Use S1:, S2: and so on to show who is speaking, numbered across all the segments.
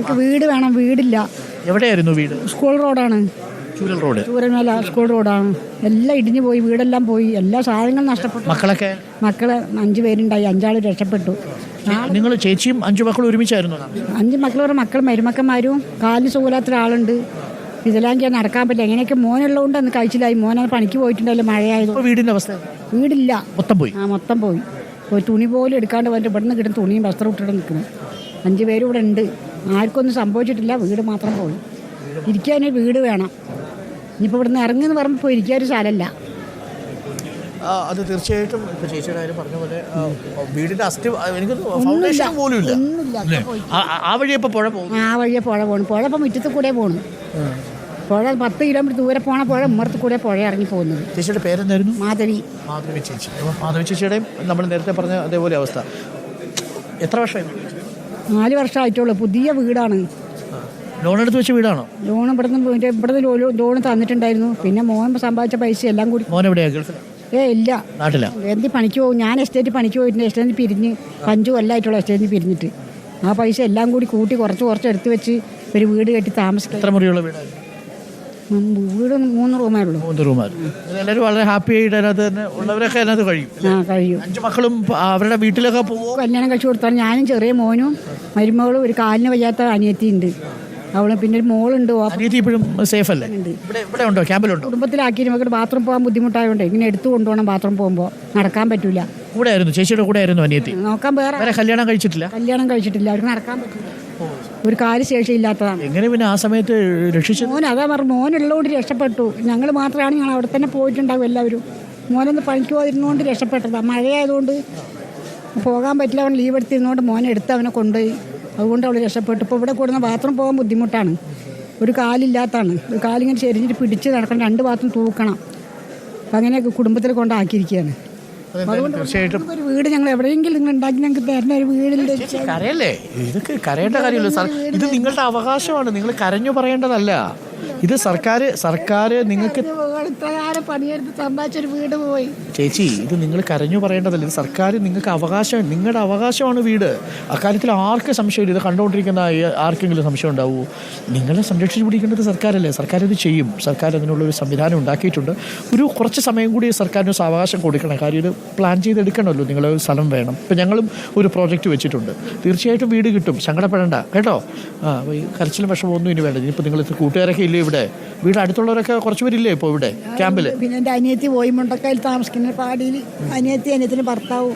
S1: ഞങ്ങൾക്ക് വീട് വേണം, വീടില്ല.
S2: എവിടെയായിരുന്നു വീട്?
S1: സ്കൂൾ റോഡാണ്, ചൂരൽമല സ്കൂൾ റോഡാണ്. എല്ലാം ഇടിഞ്ഞു പോയി, വീടെല്ലാം പോയി, എല്ലാ സാധനങ്ങളും നഷ്ടപ്പെട്ടു. മക്കള് 5 പേരുണ്ടായി, 5 രക്ഷപ്പെട്ടു.
S2: നിങ്ങൾ ചേച്ചിയും 5 മക്കളും ഒരുമിച്ചായിരുന്നു?
S1: 5 മക്കളുടെ മക്കൾ മരുമക്കന്മാരും, കാലിന് സുഖമില്ലാത്ത ഒരാളുണ്ട്. ഇതിലാങ്കിൽ നടക്കാൻ പറ്റില്ല. എങ്ങനെയൊക്കെ മോനുള്ളതുകൊണ്ട് അന്ന് കഴിച്ചില്ലായി. മോനെ പണിക്ക് പോയിട്ടുണ്ടല്ലോ, മഴയായത്.
S2: വീടിന്റെ അവസ്ഥ?
S1: വീടില്ല,
S2: മൊത്തം പോയി.
S1: മൊത്തം പോയി. ഒരു തുണി പോലും എടുക്കാണ്ട് വന്നിട്ട് ഇവിടുന്ന് കിട്ടുന്ന തുണിയും വസ്ത്രം ഇട്ടിട്ട് നിൽക്കുന്നു. 5 പേരും ഇവിടെ ഉണ്ട്. ആർക്കൊന്നും സംഭവിച്ചിട്ടില്ല, വീട് മാത്രം പോയി. ഇരിക്കാനൊരു വീട് വേണം. ഇനിയിപ്പോൾ ഇവിടുന്ന് ഇറങ്ങുന്ന പറയുമ്പോൾ പോയി ഇരിക്കാൻ ഒരു സ്ഥലമല്ല.
S2: അത് തീർച്ചയായിട്ടും ഇപ്പോൾ ചേച്ചിയുടെ കാര്യം പറഞ്ഞ പോലെ വീടിന്റെ അസ്ഥി എനിക്ക് ഫൗണ്ടേഷൻ പോലും ഇല്ല. ആ വഴിയെ ഇപ്പോൾ പുഴ പോകും.
S1: ആ വഴിയെ പുഴ പോകണം. പുഴ ഇപ്പോൾ മുറ്റത്ത് കൂടെ പോകണം. പുഴ 10 കിലോമീറ്റർ ദൂരെ പോണ പുഴ ഉമ്മറത്ത് കൂടെ പുഴ ഇറങ്ങി പോകുന്നത്.
S2: ചേച്ചിയുടെ പേരെന്തായിരുന്നു?
S1: മാധവി
S2: ചേച്ചി. മാധവി ചേച്ചിയുടെയും നമ്മൾ നേരത്തെ പറഞ്ഞ അതേപോലെ അവസ്ഥ. എത്ര വർഷമായി?
S1: 4 വർഷമായിട്ടുള്ളൂ. പുതിയ വീടാണ്.
S2: ലോൺ എടുത്ത് വെച്ച വീടാണോ? ലോൺ
S1: ഇവിടുന്ന് ലോൺ തന്നിട്ടുണ്ടായിരുന്നു. പിന്നെ മോൻ സമ്പാദിച്ച പൈസ എല്ലാം കൂടി.
S2: മോൻ എവിടെയാ? ഗൾഫിൽ?
S1: ഇല്ല,
S2: നാട്ടിലാ.
S1: എന്ത് പണിക്ക് പോകും? ഞാൻ എസ്റ്റേറ്റ് പണിക്ക് പോയിട്ടുണ്ട്. എസ്റ്റേറ്റ് പിരിഞ്ഞ് 5 കൊല്ലമായിട്ടുള്ള എസ്റ്റേറ്റ് പിരിഞ്ഞിട്ട് ആ പൈസ എല്ലാം കൂടി കൂട്ടി കുറച്ച് എടുത്ത് വെച്ച് ഒരു വീട് കെട്ടി താമസിക്കാം.
S2: എത്ര മുറിയുള്ള വീടാണ്?
S1: വീട് 3 റൂമേ ഉള്ളൂ.
S2: 3 റൂമാണ്. എല്ലാവരും വളരെ ഹാപ്പി ആയിട്ട് അതിനകത്ത് തന്നെ ഉള്ളവരൊക്കെ അതിനകത്ത് കഴിയും. 5 മക്കളും അവരുടെ വീട്ടിലൊക്കെ പോകും.
S1: കല്യാണം കഴിച്ചു കൊടുത്താൽ ഞാനും ചെറിയ മോനും മരുമകളും ഒരു കാലിന് വയ്യാത്ത അനിയത്തിയുണ്ട്. അവള് പിന്നെ ഒരു മോളുണ്ട്.
S2: ഇപ്പോഴും സേഫ് അല്ലേ? ഇവിടെ ഉണ്ടോ? ക്യാമ്പിലുണ്ടോ?
S1: കുടുംബത്തിലാക്കി നമുക്ക് ബാത്റൂം പോകാൻ ബുദ്ധിമുട്ടായതുകൊണ്ട് ഇങ്ങനെ എടുത്തു കൊണ്ടുപോകണം. ബാത്റൂം പോകുമ്പോൾ നടക്കാൻ പറ്റൂല.
S2: കൂടെ ആയിരുന്നു, ചേച്ചിയുടെ കൂടെ ആയിരുന്നു അനിയത്തി.
S1: നോക്കാൻ വേറെ
S2: കല്യാണം കഴിച്ചിട്ടില്ല.
S1: അവർക്ക് നടക്കാൻ പറ്റില്ല. ഒരു കാല് ശേഷിയില്ലാത്തതാണ്.
S2: എങ്ങനെ പിന്നെ ആ സമയത്ത് രക്ഷിച്ചു?
S1: അതാ പറഞ്ഞു, മോനുള്ളതുകൊണ്ട് രക്ഷപ്പെട്ടു. ഞങ്ങൾ മാത്രമാണ് ഞങ്ങൾ അവിടെ തന്നെ പോയിട്ടുണ്ടാവും എല്ലാവരും. മോനൊന്ന് പണിക്ക് പോയിരുന്നുകൊണ്ട് രക്ഷപ്പെട്ടതാണ്. മഴയായതുകൊണ്ട് പോകാൻ പറ്റില്ല. അവൻ ലീവ് എടുത്തിരുന്നതുകൊണ്ട് മോനെ എടുത്ത് അവനെ കൊണ്ടുപോയി. അതുകൊണ്ട് അവൾ രക്ഷപ്പെട്ടു. ഇപ്പോൾ ഇവിടെ കൂടുന്ന ബാത്റൂം പോകാൻ ബുദ്ധിമുട്ടാണ്. ഒരു കാലില്ലാത്തതാണ്. ഒരു കാലിങ്ങനെ ചെരിഞ്ഞിട്ട് പിടിച്ച് നടക്കണം. 2 ബാത്റൂം തൂക്കണം. അപ്പം അങ്ങനെയൊക്കെ കുടുംബത്തിൽ കൊണ്ടാക്കിയിരിക്കുകയാണ്.
S2: തീർച്ചയായിട്ടും
S1: ഒരു വീട് ഞങ്ങൾ എവിടെയെങ്കിലും നിങ്ങൾ ഉണ്ടാക്കി ഞങ്ങൾക്ക് തരുന്ന ഒരു വീടിൻ്റെ
S2: കരയല്ലേ? ഇതൊക്കെ കരയേണ്ട കാര്യമില്ല സാർ. ഇത് നിങ്ങളുടെ അവകാശമാണ്. നിങ്ങൾ കരഞ്ഞു പറയേണ്ടതല്ല. ഇത് സർക്കാർ നിങ്ങൾക്ക്
S1: പണിയെടുത്ത് സമ്പാദിച്ചൊരു വീട് പോയി.
S2: ചേച്ചി, ഇത് നിങ്ങൾ കരഞ്ഞു പറയേണ്ടതല്ല. ഇത് സർക്കാർ നിങ്ങൾക്ക് അവകാശം, നിങ്ങളുടെ അവകാശമാണ് വീട്. അക്കാര്യത്തിൽ ആർക്കും സംശയമില്ല. ഇത് കണ്ടുകൊണ്ടിരിക്കുന്ന ആർക്കെങ്കിലും സംശയം ഉണ്ടാവുമോ? നിങ്ങളെ സംരക്ഷിച്ചു പിടിക്കേണ്ടത് സർക്കാരല്ലേ? സർക്കാർ ഇത് ചെയ്യും. സർക്കാർ അതിനുള്ളൊരു സംവിധാനം ഉണ്ടാക്കിയിട്ടുണ്ട്. കുറച്ച് സമയം കൂടി സർക്കാരിന് അവകാശം കൊടുക്കണം. കാര്യം ഇത് പ്ലാൻ ചെയ്തെടുക്കണമല്ലോ. നിങ്ങളെ സ്ഥലം വേണം. ഇപ്പം ഞങ്ങളും ഒരു പ്രോജക്റ്റ് വെച്ചിട്ടുണ്ട്. തീർച്ചയായിട്ടും വീട് കിട്ടും, സങ്കടപ്പെടേണ്ട കേട്ടോ. ഈ കരച്ചിലും വിഷമമൊന്നും ഇനി വേണ്ട. ഇനിയിപ്പോൾ നിങ്ങൾ കൂട്ടുകാരൊക്കെ ഇല്ലേ ഇവിടെ? വീട് അടുത്തുള്ളവരൊക്കെ കുറച്ച് പേരില്ലേ ഇപ്പോൾ ഇവിടെ ക്യാമ്പിൽ?
S1: പിന്നെ എൻ്റെ അനിയത്തി പോയി മുണ്ടക്കയിൽ താമസിക്കുന്ന പാടിയിൽ. അനിയത്തിന് ഭർത്താവും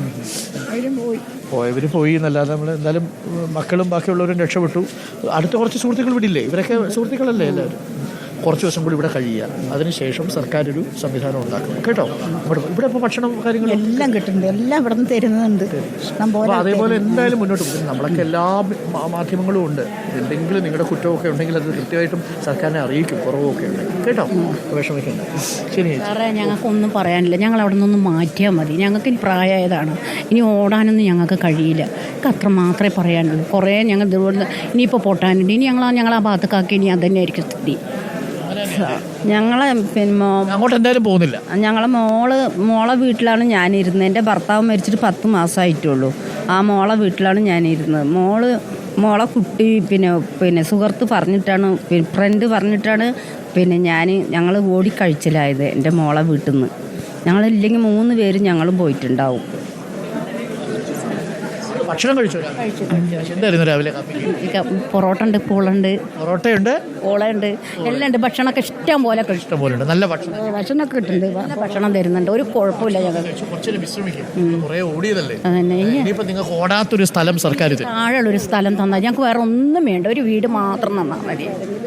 S2: പോയവർ പോയി എന്നല്ലാതെ നമ്മൾ എന്തായാലും മക്കളും ബാക്കിയുള്ളവരും രക്ഷപ്പെട്ടു. അടുത്ത കുറച്ച് സുഹൃത്തുക്കൾ വിടില്ലേ? ഇവരൊക്കെ സുഹൃത്തുക്കളല്ലേ എല്ലാവരും? കുറച്ച് ദിവസം കൂടി ഇവിടെ കഴിയുക. അതിനുശേഷം സർക്കാർ ഒരു സംവിധാനം ഉണ്ടാക്കും കേട്ടോ. ഇവിടെ ഇപ്പോൾ ഭക്ഷണം കാര്യങ്ങളും
S1: എല്ലാം കിട്ടുന്നുണ്ട്. എല്ലാം ഇവിടെ നിന്ന് തരുന്നുണ്ട്.
S2: അതേപോലെ എന്തായാലും മുന്നോട്ട് പോകും. നമ്മളൊക്കെ എല്ലാ മാധ്യമങ്ങളും ഉണ്ട്. എന്തെങ്കിലും നിങ്ങളുടെ കുറ്റമൊക്കെ ഉണ്ടെങ്കിൽ അത് കൃത്യമായിട്ടും സർക്കാരിനെ അറിയിക്കും. കുറവൊക്കെ ഉണ്ടെങ്കിൽ കേട്ടോ. വിഷമിക്കണ്ട. ശരി
S3: സാറേ, ഞങ്ങൾക്കൊന്നും പറയാനില്ല. ഞങ്ങൾ അവിടെ നിന്നൊന്ന് മാറ്റിയാൽ മതി. ഞങ്ങൾക്ക് ഇനി പ്രായമായതാണ്. ഇനി ഓടാനൊന്നും ഞങ്ങൾക്ക് കഴിയില്ല. അത്ര മാത്രമേ പറയാനുള്ളൂ. കുറേ ഞങ്ങൾ ഇതുപോലെ ഇനിയിപ്പോൾ പൊട്ടാനുണ്ട്. ഇനി ഞങ്ങൾ ആ ഭാഗത്തേക്കാക്കി ഇനി അത് തന്നെയായിരിക്കും സ്ഥിതി. ഞങ്ങളെ പിന്നെ
S2: അങ്ങോട്ട് എന്തായാലും പോകുന്നില്ല.
S3: ഞങ്ങളെ മോളെ വീട്ടിലാണ് ഞാനിരുന്നത്. എൻ്റെ ഭർത്താവ് മരിച്ചിട്ട് 10 മാസമായിട്ടുള്ളൂ. ആ മോളെ വീട്ടിലാണ് ഞാനിരുന്നത്. മോളെ കുട്ടി പിന്നെ സുഹൃത്ത് പറഞ്ഞിട്ടാണ്, ഫ്രണ്ട് പറഞ്ഞിട്ടാണ് ഞങ്ങൾ ഓടിക്കഴിച്ചിലായത് എൻ്റെ മോളെ വീട്ടിൽ നിന്ന്. ഞങ്ങളില്ലെങ്കിൽ 3 പേരും ഞങ്ങളും പോയിട്ടുണ്ടാവും.
S2: ഭക്ഷണം കഴിച്ചു. എന്തായിരുന്നു രാവിലെ?
S3: പൊറോട്ട ഉണ്ട്, പൂളുണ്ട്,
S2: പൊറോട്ടയുണ്ട്,
S3: പൂളുണ്ട്, എല്ലാം ഉണ്ട്. ഭക്ഷണമൊക്കെ ഇഷ്ടം പോലെ
S2: ഉണ്ട്. നല്ല
S1: ഭക്ഷണമൊക്കെ കിട്ടുന്നുണ്ട്.
S3: നല്ല ഭക്ഷണം തരുന്നുണ്ട്. ഒരു കുഴപ്പമില്ല.
S2: ഞങ്ങൾക്ക് നിങ്ങൾക്ക് ഓടാത്തൊരു സ്ഥലം സർക്കാർ
S3: താഴെയുള്ളൊരു സ്ഥലം തന്നാൽ ഞങ്ങൾക്ക് വേറെ ഒന്നും വേണ്ട. ഒരു വീട് മാത്രം തന്നാൽ മതി.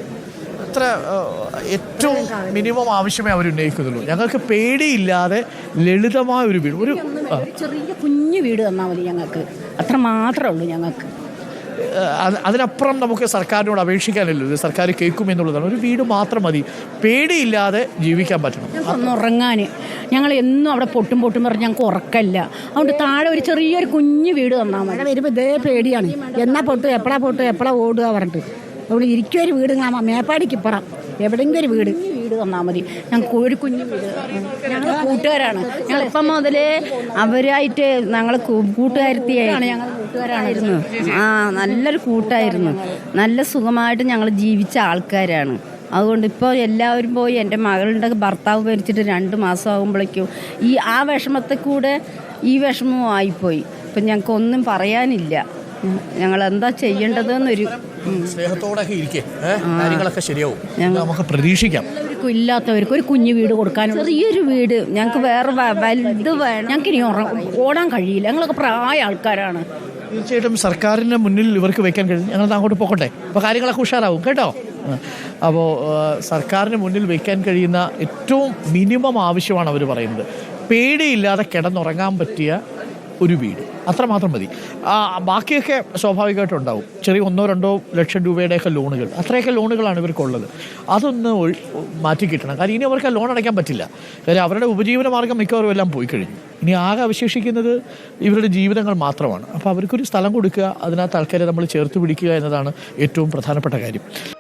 S2: ഏറ്റവും മിനിമം ആവശ്യമേ അവർ ഉന്നയിക്കുന്നുള്ളൂ. ഞങ്ങൾക്ക് പേടിയില്ലാതെ ലളിതമായ ഒരു വീട്, ഒരു
S3: ചെറിയ കുഞ്ഞു വീട് തന്നാൽ മതി ഞങ്ങൾക്ക്. അത്ര മാത്രമേ ഉള്ളൂ ഞങ്ങൾക്ക്.
S2: അതിനപ്പുറം നമുക്ക് സർക്കാരിനോട് അപേക്ഷിക്കാനല്ലോ. ഇത് സർക്കാർ കേൾക്കുമെന്നുള്ളതാണ്. ഒരു വീട് മാത്രം മതി. പേടിയില്ലാതെ ജീവിക്കാൻ പറ്റണം.
S3: ഒന്ന് ഉറങ്ങാൻ ഞങ്ങൾ എന്നും അവിടെ പൊട്ടും പറഞ്ഞ് ഞങ്ങൾക്ക് ഉറക്കമില്ല. അതുകൊണ്ട് താഴെ ഒരു ചെറിയൊരു കുഞ്ഞു വീട് തന്നാൽ മതി.
S1: വരുമ്പോൾ ഇതേ പേടിയാണ്. എന്നാ പൊട്ടും, എപ്പോഴാ ഓടുക പറഞ്ഞിട്ട്. അതുകൊണ്ട് ഇരിക്കും ഒരു വീട്. മേപ്പാടിക്ക് ഇപ്പുറം എവിടെയെങ്കിലും ഒരു വീട്
S4: വീട് തന്നാൽ മതി, ഞങ്ങൾക്ക് ഒരു കുഞ്ഞു വീട്. ഞങ്ങൾ കൂട്ടുകാരാണ്, ഞങ്ങൾ
S3: ഇപ്പം മുതലേ അവരായിട്ട് ഞങ്ങൾ കൂട്ടുകാരത്തിയാണ്,
S4: ഞങ്ങൾ കൂട്ടുകാരായിരുന്നു.
S3: നല്ലൊരു കൂട്ടായിരുന്നു. നല്ല സുഖമായിട്ട് ഞങ്ങൾ ജീവിച്ച ആൾക്കാരാണ്. അതുകൊണ്ട് ഇപ്പോൾ എല്ലാവരും പോയി. എൻ്റെ മകളുടെ ഭർത്താവ് മരിച്ചിട്ട് 2 മാസം ആകുമ്പോഴേക്കും ആ വിഷമത്തിൽ കൂടെ ഈ വിഷമവും ആയിപ്പോയി. ഇപ്പം ഞങ്ങൾക്ക് ഒന്നും പറയാനില്ല. ഞങ്ങൾ എന്താ ചെയ്യേണ്ടതെന്നൊരു
S2: സ്നേഹത്തോടെ ഇരിക്കേ, കാര്യങ്ങളൊക്കെ ശരിയാവും, നമുക്ക് പ്രതീക്ഷിക്കാം.
S4: എല്ലാവർക്കും ഇല്ലാത്തവർക്ക് ഒരു കുഞ്ഞു വീട് കൊടുക്കാനും
S3: ചെറിയൊരു വീട് ഞങ്ങൾക്ക് വേറെ വലുത് വേണം.
S4: ഞങ്ങൾക്ക് ഇനി ഓടാൻ കഴിയില്ല, ഞങ്ങളൊക്കെ പ്രായ ആൾക്കാരാണ്.
S2: തീർച്ചയായിട്ടും സർക്കാരിൻ്റെ മുന്നിൽ ഇവർക്ക് വെക്കാൻ കഴിയും. ഞങ്ങൾ അങ്ങോട്ട് പോകട്ടെ, അപ്പോൾ കാര്യങ്ങളൊക്കെ ഉഷാറാവും കേട്ടോ. അപ്പോൾ സർക്കാരിന് മുന്നിൽ വെക്കാൻ കഴിയുന്ന ഏറ്റവും മിനിമം ആവശ്യമാണ് അവർ പറയുന്നത്. പേടിയില്ലാതെ കിടന്നുറങ്ങാൻ പറ്റിയ ഒരു വീട്, അത്രമാത്രം മതി. ബാക്കിയൊക്കെ സ്വാഭാവികമായിട്ടും ഉണ്ടാവും. ചെറിയ 1-2 ലക്ഷം രൂപയുടെയൊക്കെ ലോണുകൾ, അത്രയൊക്കെ ലോണുകളാണ് ഇവർക്കുള്ളത്. അതൊന്ന് മാറ്റി കിട്ടണം. കാരണം ഇനി അവർക്ക് ലോൺ അടയ്ക്കാൻ പറ്റില്ല. കാര്യം അവരുടെ ഉപജീവന മാർഗ്ഗം മിക്കവാറും എല്ലാം പോയി കഴിഞ്ഞു. ഇനി ആകെ അവശേഷിക്കുന്നത് ഇവരുടെ ജീവിതങ്ങൾ മാത്രമാണ്. അപ്പോൾ അവർക്കൊരു സ്ഥലം കൊടുക്കുക, അതിനകത്ത് ആൾക്കാരെ നമ്മൾ ചേർത്ത് പിടിക്കുക എന്നതാണ് ഏറ്റവും പ്രധാനപ്പെട്ട കാര്യം.